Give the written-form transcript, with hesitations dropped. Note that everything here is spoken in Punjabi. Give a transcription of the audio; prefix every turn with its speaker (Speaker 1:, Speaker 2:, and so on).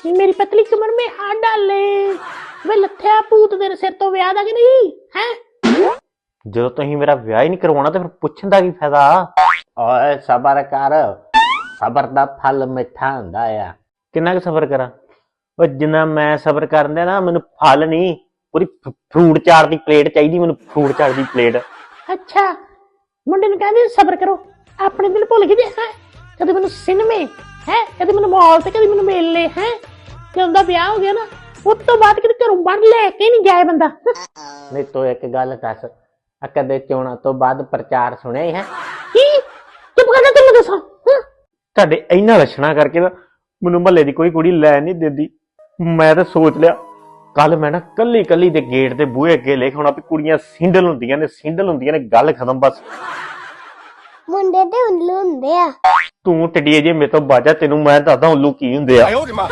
Speaker 1: मेरी पतली कमर में हाथ डाल ले। वे लथया भूत तेरे सिर तो विआह दा कि नहीं है?
Speaker 2: ਜਦੋਂ ਤੁਸੀਂ ਮੇਰਾ ਵਿਆਹ ਹੀ ਨਹੀਂ ਕਰਵਾਉਣਾ ਤੇ ਫਿਰ ਪੁੱਛਣ ਦਾ ਕੀ ਫਾਇਦਾ? ਓਏ ਸਬਰ ਕਰ, ਸਬਰ ਦਾ ਫਲ ਮਿੱਠਾ ਹੁੰਦਾ ਆ। ਕਿੰਨਾ ਕੁ ਸਬਰ ਕਰਾਂ? ਉਹ ਜਿੰਨਾ ਮੈਂ ਸਬਰ ਕਰਨ ਦਿਆ ਨਾ, ਮੈਨੂੰ ਫਲ ਨਹੀਂ, ਪੂਰੀ ਫਰੂਟ ਚਾਟ ਦੀ ਪਲੇਟ ਚਾਹੀਦੀ ਮੈਨੂੰ, ਫਰੂਟ ਚਾਟ ਦੀ ਪਲੇਟ।
Speaker 1: अच्छा मुंडे नूं कहंदे सबर करो, अपने दिल भुल गए है। कदे मैनूं सिनेमे है, कदे मैनूं मॉल ते, कदे मैनूं मेले है। जदों दा विआह हो गया ना, उस तो बाद किते घरों बाहर लेके नहीं जाए बंदा।
Speaker 2: नहीं तो एक गल दस, कदे चोणां तो बाद प्रचार सुनिया ही है?
Speaker 1: की चुप कर जा, तैनूं दसां।
Speaker 2: ਤੁਹਾਡੇ ਇਹਨਾਂ ਲੱਛਣਾਂ ਕਰਕੇ ਨਾ ਮੈਨੂੰ ਮਹੱਲੇ ਦੀ ਕੋਈ ਕੁੜੀ ਲੈ ਨਹੀਂ ਦਿੰਦੀ। ਮੈਂ ਤਾਂ ਸੋਚ ਲਿਆ ਕੱਲ ਮੈਂ ਨਾ ਕੱਲੀ ਕੱਲੀ ਦੇ ਗੇਟ ਤੇ ਬੂਹੇ ਅੱਗੇ ਲਿਖ ਹੋਣਾ ਵੀ ਕੁੜੀਆਂ ਸਿੰਡਲ ਹੁੰਦੀਆਂ ਨੇ, ਸਿੰਡਲ ਹੁੰਦੀਆਂ ਨੇ, ਗੱਲ ਖਤਮ ਬਸ।
Speaker 3: ਮੁੰਡੇ ਤੇ ਉੱਲੂ ਹੁੰਦੇ ਆ।
Speaker 2: ਤੂੰ ਟੱਡੀਏ ਜੇ ਮੇਰੇ ਤੋਂ ਬਾਜਾ, ਤੈਨੂੰ ਮੈਂ ਦੱਸਦਾ ਉੱਲੂ ਕੀ ਹੁੰਦੇ ਆ।